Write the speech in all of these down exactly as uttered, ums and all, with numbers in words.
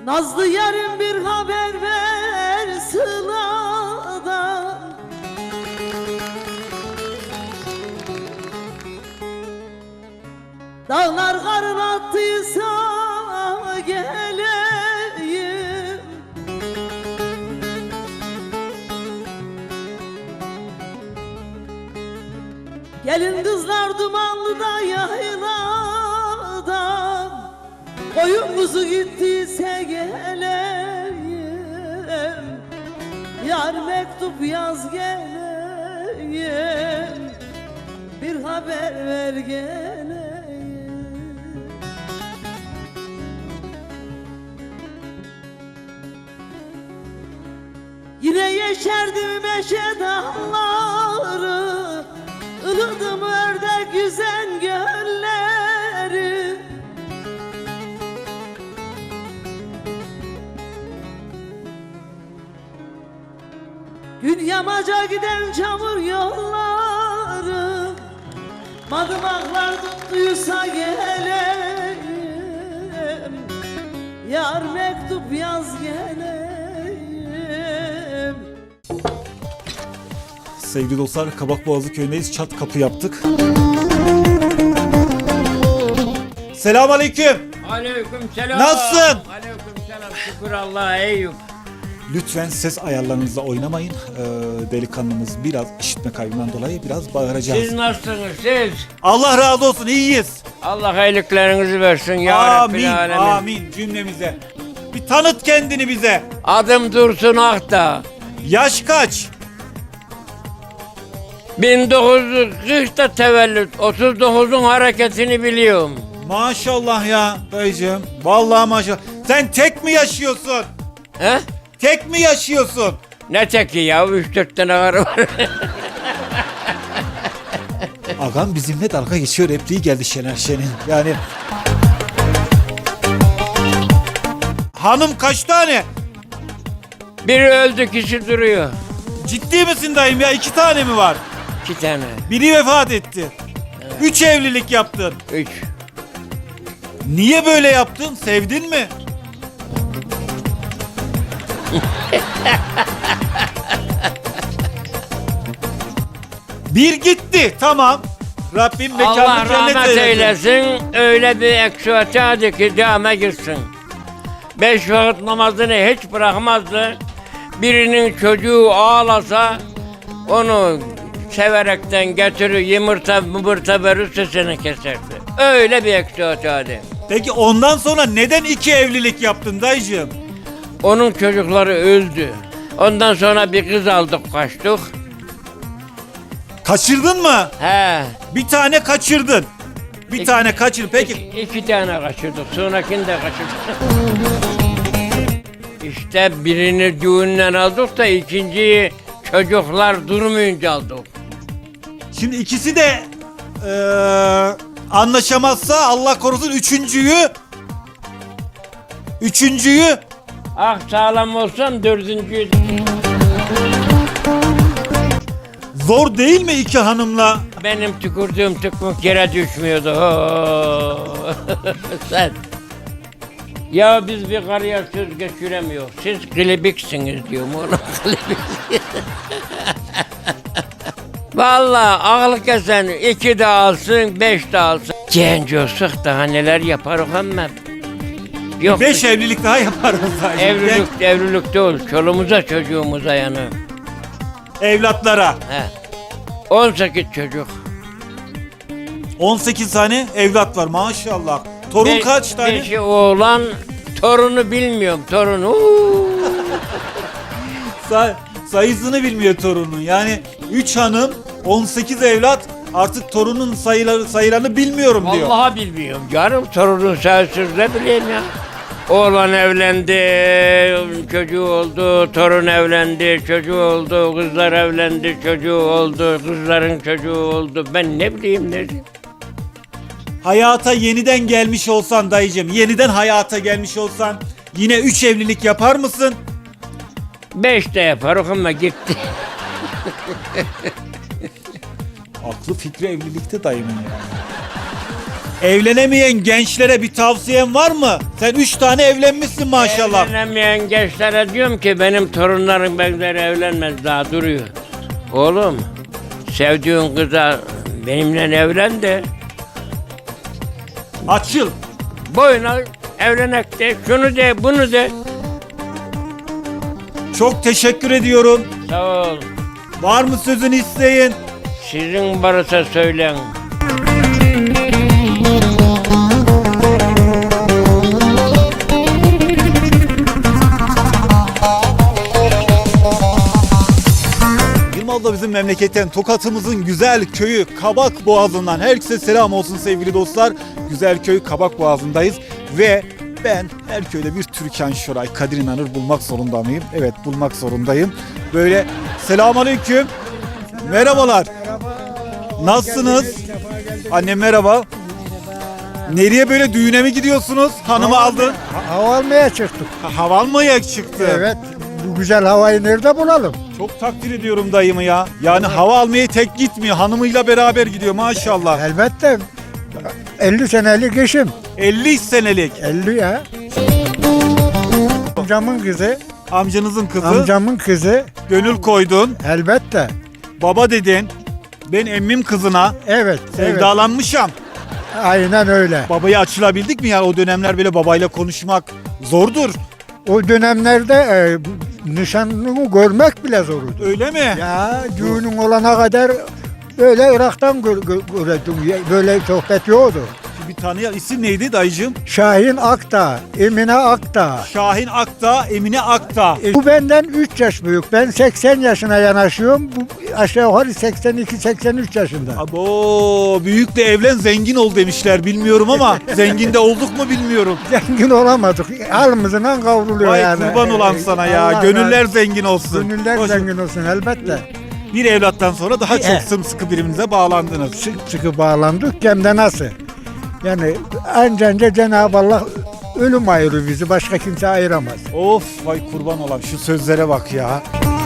Nazlı yarın bir haber ver Sıla'dan. Dağlar karın attıysa geleyim. Gelin kızlar dumanlı da yayladan, koyun kuzu gittiyse geleyim. Yar mektup yaz geleyim, bir haber ver geleyim. Yine yeşerdim meşe dağları, ılıdım ördek yüzen gölleri. Gün yamaca giden çamur yolları, madımaklar tuttuysa geleyim. Yar mektup yaz geleyim. Sevgili dostlar, Kabakboğazı köyündeyiz. Çat kapı yaptık. Selamünaleyküm. Aleyküm selam. Nasılsın? Aleyküm selam. Şükür Allah'a Eyüp. Lütfen ses ayarlarınızla oynamayın. Ee, delikanlımız biraz işitme kaybından dolayı biraz bağıracağız. Siz nasılsınız siz? Allah razı olsun, iyiyiz. Allah iyiliklerinizi versin ya Amin, Rabbil Alemin. amin cümlemize. Bir tanıt kendini bize. Adım Dursun Akta. Yaş kaç? bin dokuz yüz kırkta tevellüt. otuz dokuzun hareketini biliyorum. Maşallah ya dayıcığım. Vallahi maşallah. Sen tek mi yaşıyorsun? He? Tek mi yaşıyorsun? Ne teki ya? Üç dört tane karı var. Agam bizimle dalga geçiyor, repliği geldi Şener Şen'in. Yani... Hanım kaç tane? Biri öldü, kişi duruyor. Ciddi misin dayım ya? İki tane mi var? İki tane. Biri vefat etti. Üç evlilik yaptın. Üç. Niye böyle yaptın? Sevdin mi? Bir gitti. Tamam. Rabbim Allah mekanını cennet rahmet eylesin. eylesin. Öyle bir eksuatı ki camiye girsin. Beş vakit namazını hiç bırakmazdı. Birinin çocuğu ağlasa onu severekten getirir, yumurta mıbırta verir, sesini keserdi. Öyle bir eksuatı. Peki ondan sonra neden iki evlilik yaptın dayıcığım? Onun çocukları öldü. Ondan sonra bir kız aldık, kaçtık. Kaçırdın mı? He. Bir tane kaçırdın. Bir İki- tane kaçır. Peki İki, iki tane kaçırdık. Sonrakini de kaçırdık. İşte birini düğünden aldık da ikinciyi çocuklar durmayınca aldık. şimdi ikisi de eee, anlaşamazsa Allah korusun üçüncüyü üçüncüyü Ah sağlam olsam dördüncüyü... zor değil mi iki hanımla? Benim tükürdüğüm tükmük yere düşmüyordu. Oo. Sen. Ya biz bir karıya söz geçiremiyoruz. Siz klibiksiniz diyorum ona. Klibik. Vallahi aklı kesen iki de alsın, beş de alsın. Genç olsak daha neler yaparız ama. Yok. Beş evlilik daha yaparız zaten. Evlilik, evlilik değil. Çoluğumuza çocuğumuza yani. Evlatlara. He. on sekiz çocuk. on sekiz tane evlat var maşallah. Torun Be- kaç tane? Beşi oğlan, torunu bilmiyorum. Torunu. uuu. Say- sayısını bilmiyor torunun. Yani üç hanım, on sekiz evlat, artık torunun sayıları sayılarını bilmiyorum diyor. Vallahi bilmiyorum canım. Torunun sayısız ne bileyim ya. Oğlan evlendi, çocuğu oldu, torun evlendi, çocuğu oldu, kızlar evlendi, çocuğu oldu, kızların çocuğu oldu. Ben ne bileyim ne diyeyim. Hayata yeniden gelmiş olsan dayıcım, yeniden hayata gelmiş olsan yine üç evlilik yapar mısın? Beş de yapar ama gitti. Aklı fikri evlilikte dayımın yani. Evlenemeyen gençlere bir tavsiyen var mı? Sen üç tane evlenmişsin maşallah. Evlenemeyen gençlere diyorum ki benim torunlarım benimle evlenmez, daha duruyor. Oğlum, sevdiğin kıza benimle evlen de Açıl. boyuna evlenek de, şunu de, bunu de. Çok teşekkür ediyorum. Sağ ol. Var mı sözün isteyin? Sizin varsa söyleyin. Yılmaz'da bizim memleketten Tokat'ımızın güzel köyü Kabak Boğazı'ndan herkese selam olsun sevgili dostlar. Güzel köy Kabak Boğazı'ndayız ve ben her köyde bir Türkan Şoray, Kadir İnanır bulmak zorunda mıyım? Evet, bulmak zorundayım. Böyle selamünaleyküm. Merhabalar. Nasılsınız? Annem merhaba. Nereye böyle düğüne mi gidiyorsunuz? Hanımı aldın. Ha- Hava almaya çıktık. Ha, hava almaya çıktı. Evet. Bu güzel havayı nerede bulalım? Çok takdir ediyorum dayımı ya. Yani hava almaya tek gitmiyor. Hanımıyla beraber gidiyor maşallah. Elbette. elli senelik eşim. elli senelik. elli ya. Amcamın kızı. Amcanızın kızı. Amcamın kızı. Gönül koydun. Elbette. Baba dedin. Ben emmim kızına Evet. Evet. sevdalanmışam. Aynen öyle. Babaya açılabildik mi ya? O dönemler böyle babayla konuşmak zordur. O dönemlerde e, nişanlını görmek bile zordu. Öyle mi? Ya düğünün olana kadar böyle Irak'tan gör, gör, gördüm. Böyle sohbet yoktu. Bir tanıyan isim neydi dayıcığım? Şahin Akta, Emine Akta. Şahin Akta, Emine Akta. E, Bu benden üç yaş büyük. Ben seksen yaşına yanaşıyorum. Bu aşağı yukarı seksen iki seksen üç yaşında. Abo, büyükle evlen zengin ol demişler bilmiyorum ama zengin de olduk mu bilmiyorum. Zengin olamadık. Halımızdan kavruluyor Vay yani. kurban olan sana ya. Allah Gönüller razı- zengin olsun. Gönüller Hoş- zengin olsun elbette. Bir evlattan sonra daha çok Eh. sımsıkı birbirinize bağlandınız. Sık sıkı bağlandık hem de nasıl? Yani anca Cenab-ı Allah ölüm ayırır bizi. Başka kimse ayıramaz. Of vay kurban olan şu sözlere bak ya.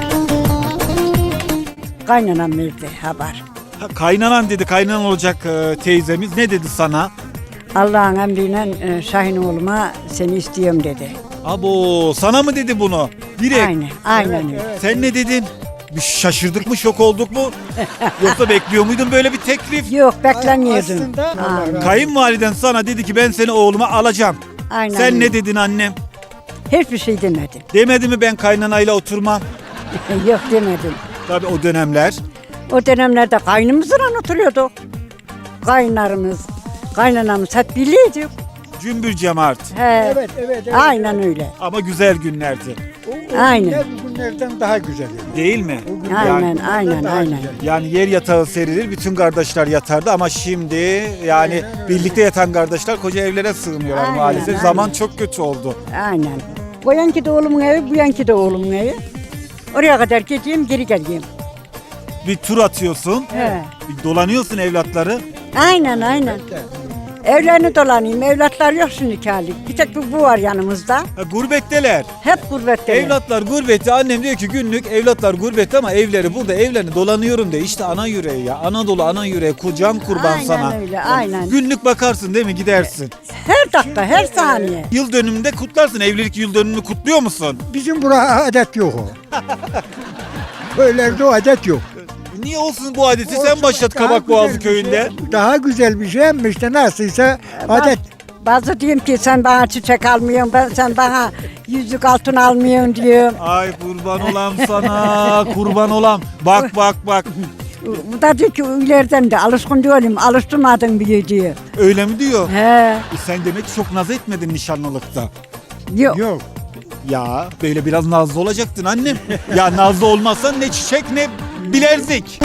Kaynanam verdi haber. Ha, kaynanan dedi, kaynanan olacak e, teyzemiz. Ne dedi sana? Allah'ın emriyle e, Şahin oğluma seni istiyorum dedi. Abo sana mı dedi bunu? Direkt. Aynen, aynen öyle. Sen ne dedin? Bir şaşırdık mı, şok olduk mu? Yoksa bekliyor muydun böyle bir teklif? Yok beklemiyordum. Aslında Allah Aynen. razı- Kayınvaliden sana dedi ki ben seni oğluma alacağım. Aynen Sen öyle. ne dedin annem? Hiçbir şey demedim. Demedi mi ben kaynanayla oturmam? Yok demedim. Tabii o dönemler. O dönemlerde kaynımızla oturuyorduk. Kaynlarımız, kaynanamız hep birliydik. Cümbür cemaat. He. Evet, evet, evet. Aynen öyle. Ama güzel günlerdi. O, o Aynen. günler bu günlerden daha güzel. Değil mi? O günler Aynen, bu günlerden aynen, daha aynen. güzel. Yani yer yatağı serilir, bütün kardeşler yatardı ama şimdi yani birlikte yatan kardeşler koca evlere sığmıyorlar Aynen, maalesef. aynen. Zaman çok kötü oldu. Aynen. O yanki de oğlumun evi, bu yanki de oğlumun evi. Oraya kadar gideyim, geri geleyim. Bir tur atıyorsun, He. bir dolanıyorsun evlatları. Aynen, aynen. Evlerini dolanayım. Evlatlar yok şimdi kâlik. Bir tek bu, bu var yanımızda. Ha, gurbetteler. Hep gurbette. Evlatlar gurbette. Annem diyor ki günlük evlatlar gurbette ama evleri burada, evlerini dolanıyorum de. İşte ana yüreği ya. Anadolu ana yüreği. Can kurban Aynen sana. öyle, aynen. Günlük bakarsın değil mi, gidersin. Her dakika, her saniye. Yıl dönümünde kutlarsın. Evlilik yıl dönümünü kutluyor musun? Bizim burada adet yok o. Köylerde o adet yok. Niye olsun bu adeti? Sen Olsun, başlat daha Kabakboğazı güzel bir köyünde. şey- daha güzel bir şey ama işte nasılsa adet. Bazı diyorum ki sen bana çiçek almıyorsun, ben sen bana yüzük altın almıyorsun diyorum. Ay kurban olam sana. Kurban olam. Bak bak bak. Bu da diyor ki ileriden de alışkın diyorum, alıştırmadın bile diyor. Öyle mi diyor? He, E sen demek ki çok naz etmedin nişanlılıkta. yok. Yok. Ya böyle biraz nazlı olacaktın annem. Ya nazlı olmazsan ne çiçek ne bilezik.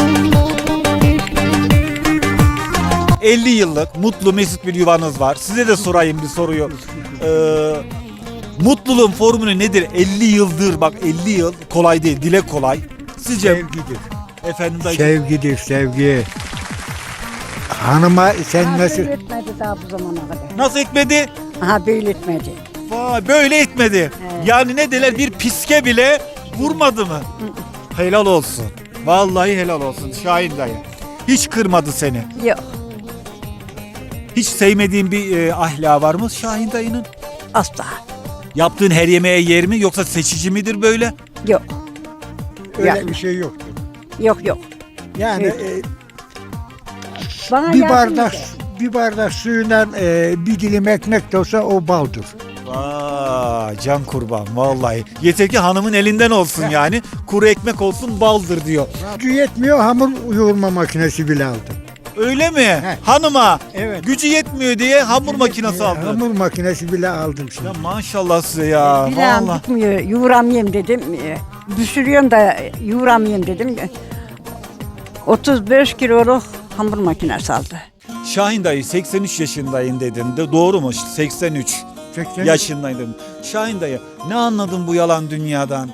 elli yıllık mutlu mesut bir yuvanız var. Size de sorayım bir soruyu. Ee, mutluluğun formülü nedir? elli yıldır bak elli yıl kolay değil, dile kolay. Sizce Sevgidir. efendim dayı. Sevgidir, sevgi. Hanıma sen Ha, nasıl... böyle etmedi daha bu zamana kadar. Nasıl etmedi? Aha böyle etmedi. Vay böyle etmedi. Yani ne derler bir piske bile vurmadı mı? Helal olsun. Vallahi helal olsun Şahin dayı. Hiç kırmadı seni. Yok. Hiç sevmediğin bir e, ahlakı var mı Şahin dayının? Asla. Yaptığın her yemeğe yer mi yoksa seçici midir böyle? Yok. Öyle Ya. bir şey yoktur. Yok yok. Yani Evet. e, Bana bir yardım bardak eder. bir bardak suyundan e, bir dilim ekmek de olsa o baldır. Aa, can kurban vallahi. Yeter ki hanımın elinden olsun yani. Kuru ekmek olsun baldır diyor. Gücü yetmiyor, hamur yoğurma makinesi bile aldım. Öyle mi? He. Hanıma Evet. gücü yetmiyor diye hamur makinesi aldı. Hamur makinesi bile aldım şimdi. Ya maşallah size ya. Bilağım Vallahi. gitmiyor. Yoğuramayayım dedim. E, Düşürüyorum da yoğuramayayım dedim. otuz beş kiloluk hamur makinesi aldı. Şahin dayı seksen üç yaşındayım dedin de doğru mu? seksen üç seksen yaşındayım dedim. Şahin dayı ne anladın bu yalan dünyadan?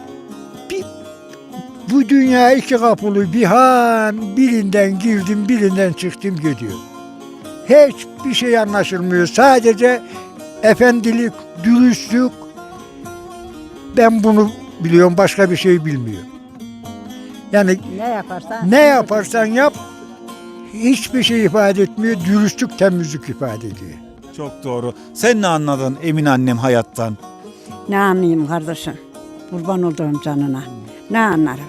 Bu dünya iki kapılı bir han, birinden girdim birinden çıktım gidiyor. Hiçbir şey anlaşılmıyor. Sadece efendilik, dürüstlük. Ben bunu biliyorum, başka bir şey bilmiyorum. Yani Ne yaparsan. ne yaparsan yap hiçbir şey ifade etmiyor. Dürüstlük, temizlik ifade ediyor. Çok doğru. Sen ne anladın Emin annem hayattan? Ne anlayayım kardeşim? Kurban olduğum canına. Ne anlarım?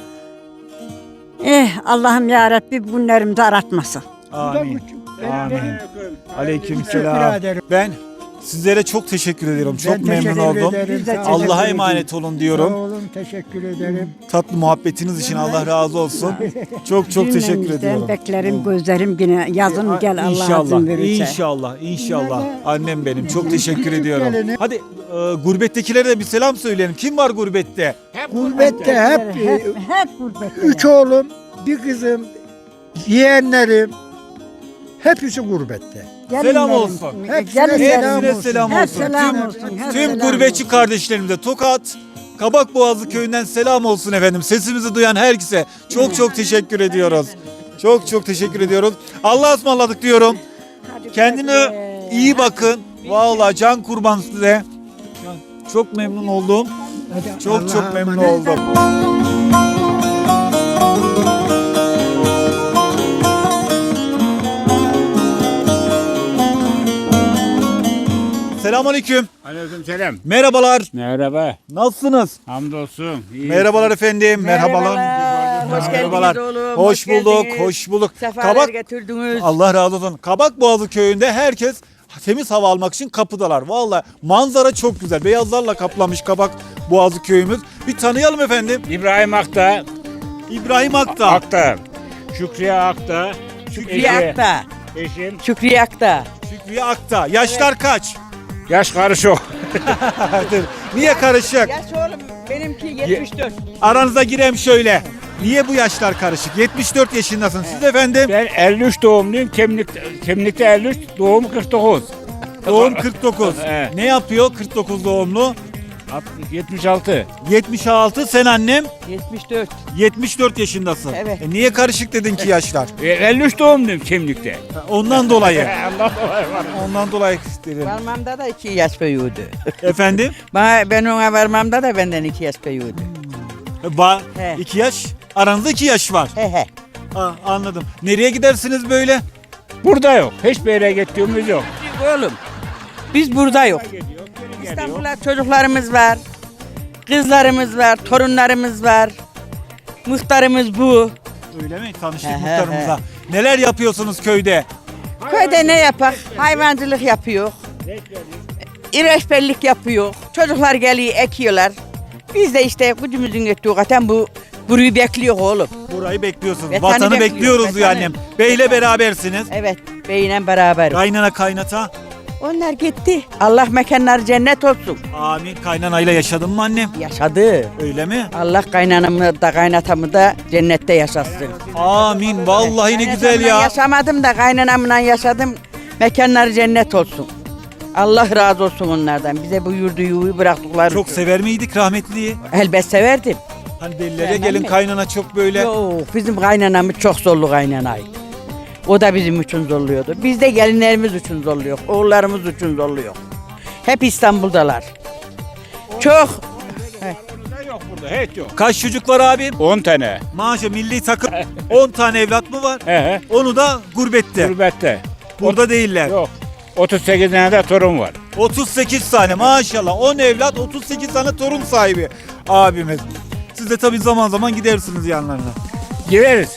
Eh Allah'ım ya Rabbi bunlarımızı aratmasın. Amin. Amin. Aleyküm Teşekkür selam. ederim. Ben sizlere çok teşekkür ediyorum. Çok Ben memnun teşekkür oldum. ederim. Biz de Sağ olun. teşekkür Allah'a ederim. emanet olun Sağ diyorum. olun, teşekkür ederim. Tatlı muhabbetiniz için Allah razı olsun. Çok çok teşekkür Cümlemizden ediyorum. beklerim gözlerim yine yazın gel Allah İnşallah, izin verirse. inşallah, inşallah. Annem benim. Çok teşekkür ediyorum. geleni- Hadi e, gurbettekilere de bir selam söyleyelim. Kim var gurbette? Gurbette hep, Hep, hep, hep gurbette. üç oğlum, bir kızım, yeğenlerim hepsi gurbette. Selam olsun. Hepsine Gelin, selam gelin. Hepsine selam Hep olsun. selam Tüm, olsun, hep tüm selam gurbetçi olsun. kardeşlerimize Tokat, Kabakboğazı köyünden selam olsun efendim. Sesimizi duyan herkese çok çok teşekkür ediyoruz. Çok çok teşekkür ediyoruz. Allah'a ısmarladık diyorum. Hadi Kendine güle. iyi bakın. Vallahi can kurban size. Çok memnun oldum. Çok Allah'a çok memnun emanet. oldum. Selamünaleyküm. Aleykümselam. Merhabalar. Merhaba. Nasılsınız? Hamdolsun. İyi. Merhabalar efendim. Merhabalar. Hoş Merhabalar. geldiniz oğlum. Hoş bulduk. geldiniz. Hoş bulduk. Sefalar Kabak getirdiniz. Allah razı olsun. Kabakboğazı köyünde herkes temiz hava almak için kapıdalar. Vallahi manzara çok güzel. Beyazlarla kaplamış Kabakboğazı köyümüz. Bir tanıyalım efendim. İbrahim Akta. İbrahim Akta. Akta. Şükriye Akta. Şükriye Akta. Eşim. Şükriye Akta. Şükriye Akta. Yaşlar kaç? Yaş karışık. Niye karışık? Yaş oğlum benimki yetmiş dört. Aranıza gireyim şöyle. Niye bu yaşlar karışık? yetmiş dört yaşındasın. Siz efendim? Ben elli üç doğumluyum. Kimlik, kimlikte elli üç, doğum kırk dokuz. Doğum kırk dokuz. Evet. Ne yapıyor kırk dokuz doğumlu? altmış, yetmiş altı. yetmiş altı. Sen annem yetmiş dört. yetmiş dört yaşındasın. Evet. E niye karışık dedin ki yaşlar? E, elli üç doğumluyum kimlikte. Ondan dolayı. Allah dolayı var. Ondan dolayı dedim. Varmamda da iki yaş büyüdü. Efendim? Bana, ben ona varmamda da benden iki yaş büyüdü. Ba He. iki yaş. Aranızda iki yaş var. He he. Ha, anladım. Nereye gidersiniz böyle? Burada yok. Hiçbir yere gittiğimiz yok. Oğlum biz burada yok. Geliyor, geri geliyor. İstanbul'da çocuklarımız var. Kızlarımız var. Torunlarımız var. Muhtarımız bu. Öyle mi? Tanıştık He, he, muhtarımıza. Neler yapıyorsunuz köyde? Köyde ne yapak? Hayvancılık yapıyor. İreçbellik yapıyor. Çocuklar geliyor ekiyorlar. Biz de işte gücümüzün yettiği kadar bu burayı bekliyor oğlum. Burayı bekliyorsunuz. Vatanı Vatanı bekliyor, bekliyoruz diyor vatanı. annem. Beyle berabersiniz. Evet beyle beraber. Kaynana kaynata. Onlar gitti. Allah mekanları cennet olsun. Amin. Kaynanayla yaşadın mı annem? Yaşadı. Öyle mi? Allah kaynanamı da kaynatamı da cennette yaşatsın. Amin. Vallahi ne güzel Kaynatamla ya. Yaşamadım da kaynanamla yaşadım. Mekanları cennet olsun. Allah razı olsun onlardan. Bize bu yurdu yuvu bıraktıkları Çok için. sever miydik rahmetliyi? Elbet severdim. Hani delilere Sevmem gelin mi? kaynana çok böyle. Yok bizim kaynanamız çok zorlu kaynanaydı. O da bizim için zorluyordu. Biz de gelinlerimiz için zorluyor. Oğullarımız için zorluyor. Hep İstanbul'dalar. Çok Yok burada. Hiç yok. Kaç çocuk var abim? on tane. Maaşa milli takım on tane evlat mı var? He he. Onu da gurbette. Gurbette. Burada değiller. Yok. otuz sekiz tane de torun var. otuz sekiz tane maşallah. on evlat, otuz sekiz tane torun sahibi abimiz. Siz de tabii zaman zaman gidersiniz yanlarına. Gireriz.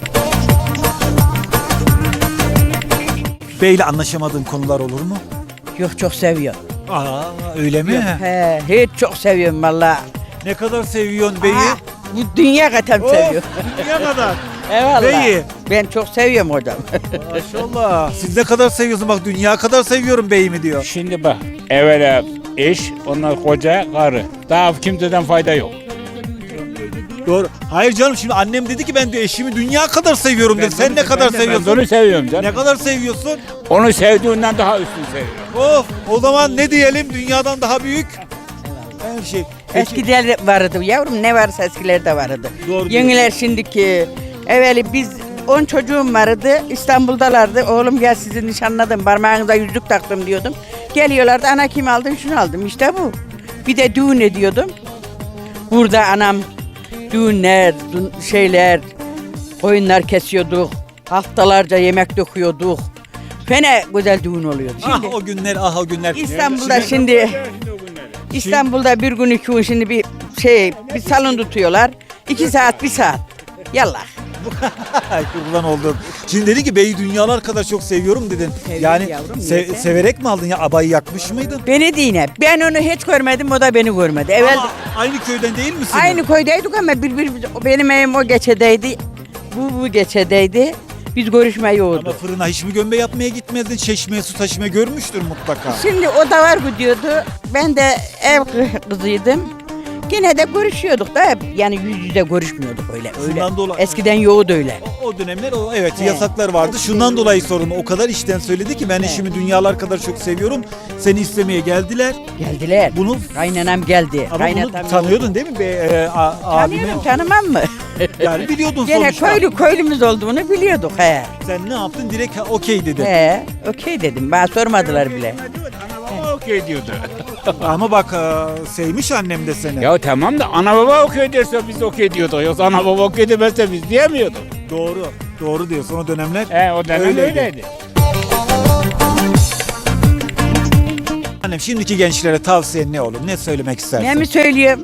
Beyle anlaşamadığın konular olur mu? Yok çok seviyorum. Aa öyle mi? He, hiç çok seviyorum valla. Ne kadar seviyorsun beyi? Ha, bu dünya kadar Of, seviyorum. dünya kadar. Eyvallah. Beyi. Ben çok seviyorum hocam. Maşallah. Siz ne kadar seviyorsun bak dünya kadar seviyorum beyimi diyor. Şimdi bak. Evvela eş, ondan koca, karı. Daha kimseden fayda yok. Doğru. Hayır canım şimdi annem dedi ki ben de eşimi dünya kadar seviyorum dedi. Sen ne kadar Ben de- seviyorsun? Ben de onu seviyorum canım. Ne kadar seviyorsun? Onu sevdiğinden daha üstün seviyorum. Of o zaman ne diyelim dünyadan daha büyük her şey. Peki, Eskiler vardı yavrum, ne varsa eskilerde vardı. Doğru Yeniler şimdiki. Evveli biz on çocuğum vardı, İstanbul'dalardı. Oğlum gel sizi nişanladım, parmağınıza yüzük taktım diyordum. Geliyorlardı, ana kim aldın, şunu aldım, işte bu. Bir de düğün ediyordum. Burada anam düğünler, dün- şeyler, koyunlar kesiyorduk. Haftalarca yemek döküyorduk. Fena güzel düğün oluyordu. ah Şimdi o günler ah o günler. İstanbul'da şimdi İstanbul'da bir gün iki gün şimdi bir şey bir salon tutuyorlar. İki saat bir saat. Yallah. Ay, kurban oldum. Şimdi dedi ki beyi dünyalar kadar çok seviyorum dedin. Seviyorum yani yavrum, se- neyse. severek mi aldın ya abayı yakmış mıydın? Beni dine. Ben onu hiç görmedim, o da beni görmedi. Evvel Ama aynı köyden değil misin? aynı köydeydik ama birbirimiz, benim evim o geçedeydi. Bu bu geçedeydi. Biz görüşme Ama yoktu. fırına hiç mi gömbe yapmaya gitmedin? Çeşmeye su taşımaya görmüştür mutlaka. Şimdi o da var gidiyordu. Ben de ev kızıydım. Yine de görüşüyorduk da hep yani yüz yüze görüşmüyorduk öyle. öyle. Şundan dolayı- Eskiden yoğdu öyle. O, o dönemler o evet He. yasaklar vardı. Şundan dolayı sorun. O kadar işten söyledi ki ben eşimi dünyalar kadar çok seviyorum. Seni istemeye geldiler. Geldiler. Bunu Kaynanam geldi. ama Kaynatam bunu tanıyordun değil mi be e, a, abimi? Tanıyorum, tanımam mı? Yani biliyordun Gene sonuçta. köylü köylümüz olduğunu biliyorduk he. Sen ne yaptın? Direkt ha, okey dedi. He, okey dedim. Bana sormadılar bile. Ana baba okey diyordu. Ama bak e, sevmiş annem de seni. Ya tamam da ana baba okey derse biz okey diyorduk. Yoksa ana baba okey demezse biz diyemiyorduk. Doğru. Doğru diyorsun o dönemler. He o dönem Öyleydi. öyleydi. Annem şimdiki gençlere tavsiyen ne olur? Ne söylemek istersin? Ne mi söyleyeyim?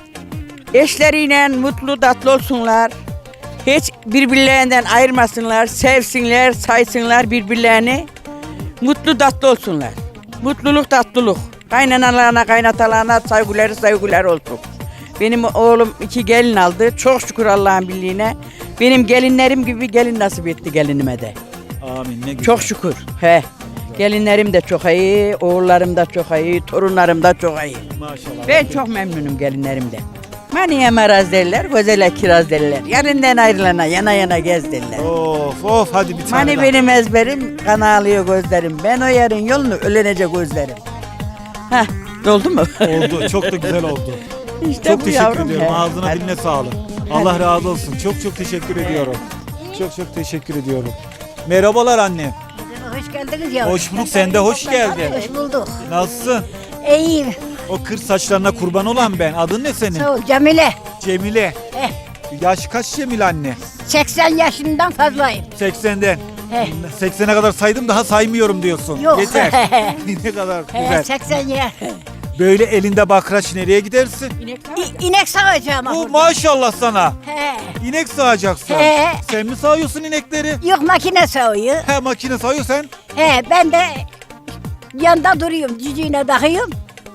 Eşleriyle mutlu tatlı olsunlar. Hiç birbirlerinden ayırmasınlar. Sevsinler, saysınlar birbirlerini. Mutlu tatlı olsunlar. Mutluluk tatlılık. Kaynanalarına, kaynatalarına saygıları saygılar olsun. Benim oğlum iki gelin aldı. Çok şükür Allah'ın birliğine. Benim gelinlerim gibi gelin nasip etti gelinime de. Amin ne güzel. Çok şükür. He. Gelinlerim de çok iyi, oğullarım da çok iyi, torunlarım da çok iyi. Maşallah. Ben çok memnunum gelinlerimden. Maniye maraz derler, gözele kiraz derler. Yarından ayrılana yana yana gez derler. Of of hadi bir tane Mani daha. benim ezberim, kan ağlıyor gözlerim. Ben o yarın yolunu ölenecek gözlerim. Heh, oldu mu? Oldu. Çok da güzel oldu. İşte Çok bu teşekkür yavrum ediyorum. he. Ağzına Hadi. diline sağlık. Allah razı olsun. Çok çok teşekkür ediyorum. Çok çok teşekkür ediyorum. Merhabalar anne. Hoş geldiniz yavrum. Hoş bulduk. Sen de hoş geldin. Hoş bulduk. Nasılsın? İyiyim. O kır saçlarına kurban olan ben. Adın ne senin? Sağ ol Cemile. Cemile. Eh, Yaş kaç Cemile anne? seksen yaşından fazlayım. seksenden. He. seksene kadar saydım daha saymıyorum diyorsun. Yok. Yeter. ne kadar He, güzel. seksen yaş. Böyle elinde bakraç nereye gidersin? İ- İnek sağacağım. Bu burada. maşallah sana. He. İnek sağacaksın. He. Sen mi sağıyorsun inekleri? Yok makine sağıyor. He makine sağıyor sen. He, ben de yanda duruyorum. Cücüğüne takıyorum.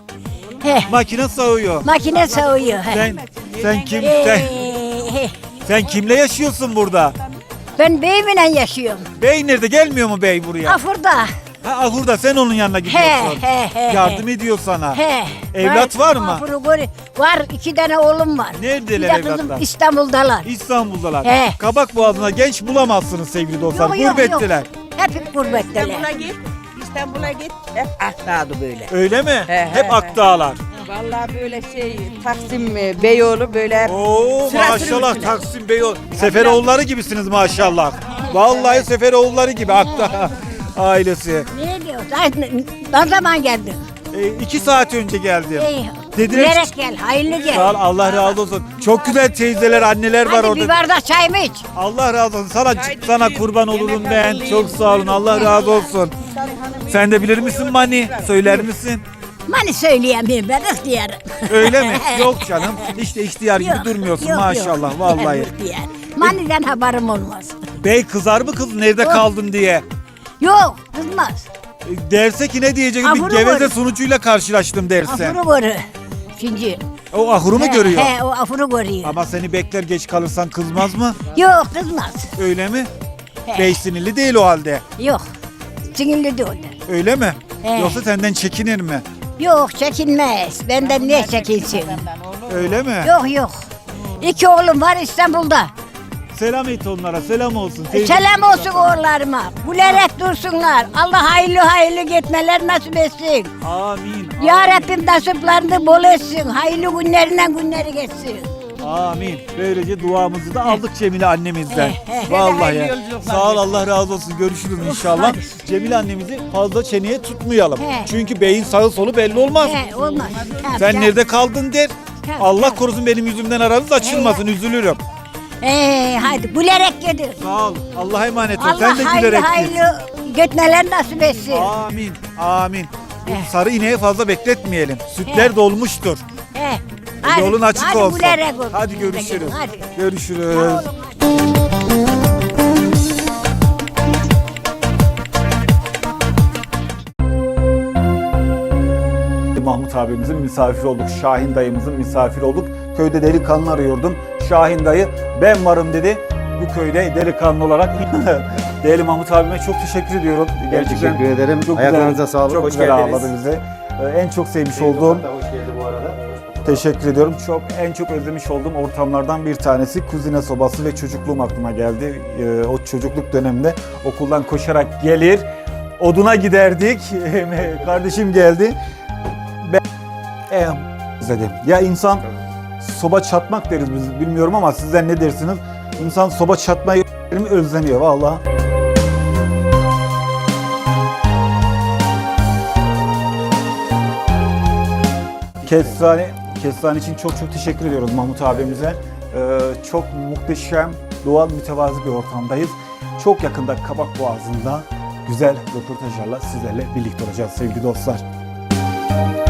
He. Makine sağıyor. Makine sağıyor. He. Sen sen kim Ee, sen he. sen kimle yaşıyorsun burada? Ben beyimle yaşıyorum. Bey nerede? Gelmiyor mu bey buraya? Afurda. Ha ahurda sen onun yanına He gidiyorsun. he he. Yardım ediyor sana. He. Evlat var mı? Afuru gör- Var. iki tane oğlum var. Neredeler Bir de kızım evlatlar? İstanbul'dalar. İstanbul'dalar. He. Kabak boğazına genç bulamazsınız sevgili dostlar. Yok, yok, Gurbettiler. yok. Hep gurbetteler. İstanbul'a git, İstanbul'a git. Hep ahtağdı böyle. Öyle mi? He, he, Hep he. Akdağlar. Vallahi böyle şey, Taksim e, Beyoğlu böyle hep Oo Sıra sıra maşallah üstüne. Taksim Bey Seferoğulları gibisiniz maşallah. Vallahi Seferoğulları gibi Akdağ ailesi. Ne diyorsun? Ay, Ne, ne zaman geldin? E, iki saat önce geldim. İyi. Dediler. Gülerek gel, hayırlı gel. Sağ ol, Allah razı olsun. Çok güzel teyzeler, anneler var Hadi orada. bir bardak çay mı iç? Allah razı olsun. Sana sana kurban olurum ben. Çok sağ olun. Allah razı olsun. Sen de bilir misin Mani? Söyler misin? Mani söyleyemeyim ben ihtiyarım. Öyle mi? Yok canım. İşte ihtiyar gibi Yok, durmuyorsun yok, maşallah yok. vallahi. İhtiyar. Mani'den haberim olmaz. Bey kızar mı kız nerede Yok. kaldın diye? Yok kızmaz. E, Derse ki ne diyecek? Bir Ahuru geveze var. sunucuyla karşılaştım derse. Afuru görü. Şimdi. O ahuru mu He, görüyor? He o afuru görüyor. Ama seni bekler geç kalırsan kızmaz mı? Yok kızmaz. Öyle mi? He. Bey sinirli değil o halde. Yok. Sinirli değil. Öyle mi? He. Yoksa senden çekinir mi? Yok çekinmez. Benden ne çekinsin? Öyle mi? Yok yok. İki oğlum var İstanbul'da. Selam et onlara. Selam olsun. Teyze- Selam olsun oğullarıma. Gülerek dursunlar. Allah hayırlı hayırlı gitmeler nasip etsin. Amin. Ya Rabbim nasiplerini bol etsin. Hayırlı günlerinden günleri geçsin. Amin. Böylece duamızı da aldık Cemile annemizden. He, he. Vallahi. Sağ ol, Allah razı olsun. Görüşürüz inşallah. hadi. Cemile annemizi fazla çeneye tutmayalım. He. Çünkü beyin sağı solu belli olmaz. He, olmaz. Ha, Sen ya- nerede kaldın der. He, Allah he. korusun benim yüzümden aranız açılmasın. Üzülürüm. Ee, hadi gülerek gidin. Sağ ol. Allah'a emanet ol. Allah Sen de hayırlı gülerek git. hayırlı gitmeler nasip etsin. Amin. Amin. Bu He. sarı ineği fazla bekletmeyelim. Sütler He. dolmuştur. He. Hadi, Yolun açık hadi olsun. gülerek olsun. Hadi görüşürüz. Hadi. Görüşürüz. Sağ olun. Mahmut abimizin misafir olduk. Şahin dayımızın misafir olduk. Köyde delikanlı arıyordum. Şahin dayı ben varım dedi. Bu köyde delikanlı olarak değerli Mahmut abime çok teşekkür ediyorum. Gerçekten teşekkür ederim. Çok Ayaklarınıza güzel, sağlık. Çok Hoş güzel geldiniz. ağırladı bizi. Ee, En çok sevmiş olduğum, Hoş geldi bu arada. teşekkür ediyorum. Çok en çok özlemiş olduğum ortamlardan bir tanesi kuzine sobası ve çocukluğum aklıma geldi. Ee, O çocukluk döneminde okuldan koşarak gelir, oduna giderdik. Kardeşim geldi. Ben em, özledim. Ya insan soba çatmak deriz biz bilmiyorum ama sizler ne dersiniz? İnsan soba çatmayı özleniyor vallahi. Kestane, kestane için çok çok teşekkür ediyoruz Mahmut abimize. Ee, çok muhteşem, doğal, mütevazi bir ortamdayız. Çok yakında Kabak Boğazı'nda güzel röportajlarla sizlerle birlikte olacağız sevgili dostlar.